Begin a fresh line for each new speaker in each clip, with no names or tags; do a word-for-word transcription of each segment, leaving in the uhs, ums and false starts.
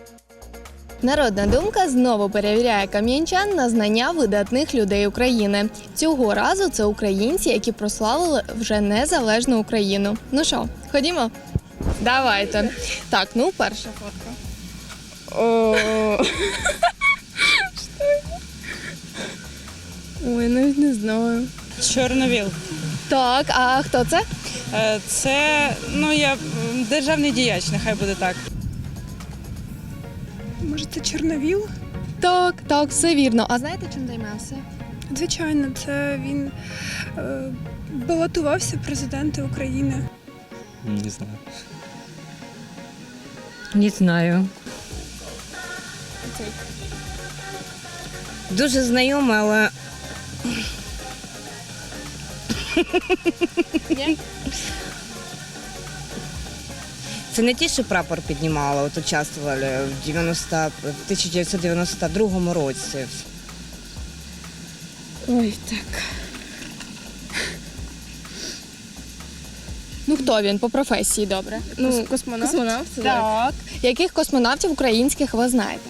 Народна думка знову перевіряє кам'янчан на знання видатних людей України. Цього разу це українці, які прославили вже незалежну Україну. Ну що, ходімо? Давайте. Так, ну перша фотка. О. Ой, навіть не знаю.
Чорновіл.
Так, а хто це?
Е, Це, ну, я м, державний діяч, нехай буде так.
Може, це Чорновіл?
Так, так, все вірно. А знаєте, чим займався?
Звичайно, це він е, балотувався в президенти України.
Не знаю.
Не знаю.
Дуже знайоме, але
Ні?
це не ті, що прапор піднімали, от участвували в дев'яносто, в тисяча дев'ятсот дев'яносто другому році.
Ой, так. Ну хто він по професії, добре?
Ну, космонавт.
Космонавт, так. Яких космонавтів українських ви знаєте?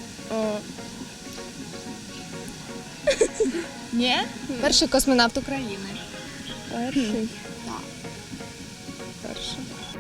Ні? Перший космонавт України.
Перший.
Перший.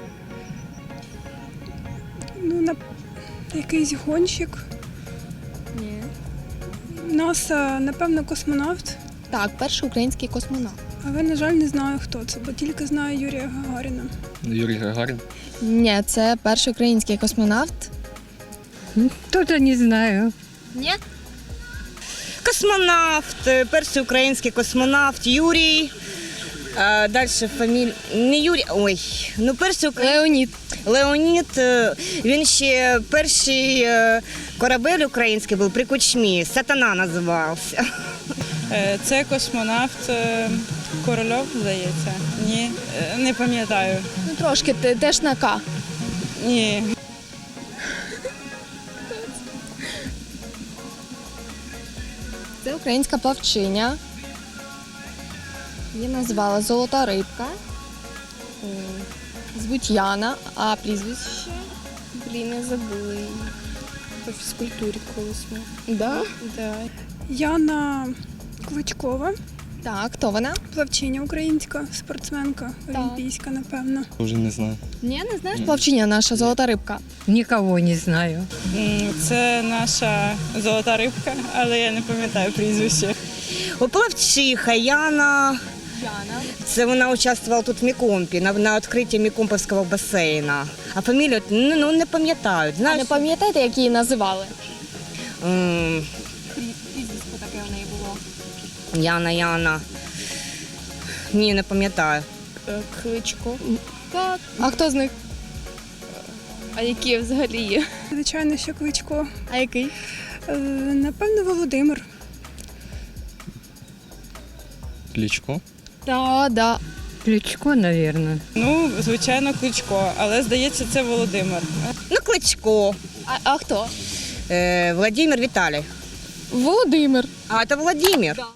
Ну, на якийсь гонщик.
Ні.
НАСА, напевно, космонавт.
Так, перший український космонавт.
Але, на жаль, не знаю, хто це, бо тільки знаю Юрія Гагаріна.
Юрій Гагарін.
Ні, це перший український космонавт.
Тоже не знаю.
Ні?
Космонавт, е, перший український космонавт Юрій. Е, Далі фамілія. Не Юрій, ой, ну перший український.
Леонід.
Леонід, е, він ще перший е, корабель український був при Кучмі, Сатана називався.
Е, Це космонавт е, Корольов, здається. Ні, е, не пам'ятаю.
Ну трошки те- теж на К.
Ні.
Це українська плавчиня. Її назвала Золота рибка. М, Звуть Яна, а прізвище? Блін, не забула її.
По фізкультурі колись ми.
Да?
Да.
Яна Кличкова,
Так, хто вона?
плавчиня українська, спортсменка,
Так.
олімпійська, напевно.
Вже не знаю.
Ні, не знаєш? Плавчиня наша Золота рибка.
Никого не знаю.
М, Це наша золота рибка, але я не пам'ятаю прізвище.
Оплавчиха Яна.
Яна.
Це вона участвувала тут в Мікомпі, на, на відкритті Мікомповського басейна. А фамілію ну, ну, не пам'ятають.
А
Знаєш,
не пам'ятаєте, як її називали?
м,
Прізвисько таке в неї було.
Яна, Яна. Ні, не пам'ятаю.
Е, Кличко.
Так. А хто з них?
А які взагалі є?
Звичайно, що Кличко.
А який?
Е, Напевно, Володимир.
Кличко.
Да, да.
Кличко, наверное.
Ну, звичайно, Кличко, але здається, це Володимир.
Ну, Кличко.
А, а хто?
Е, Владимир Віталій.
Володимир.
А, це Владимир.
Да.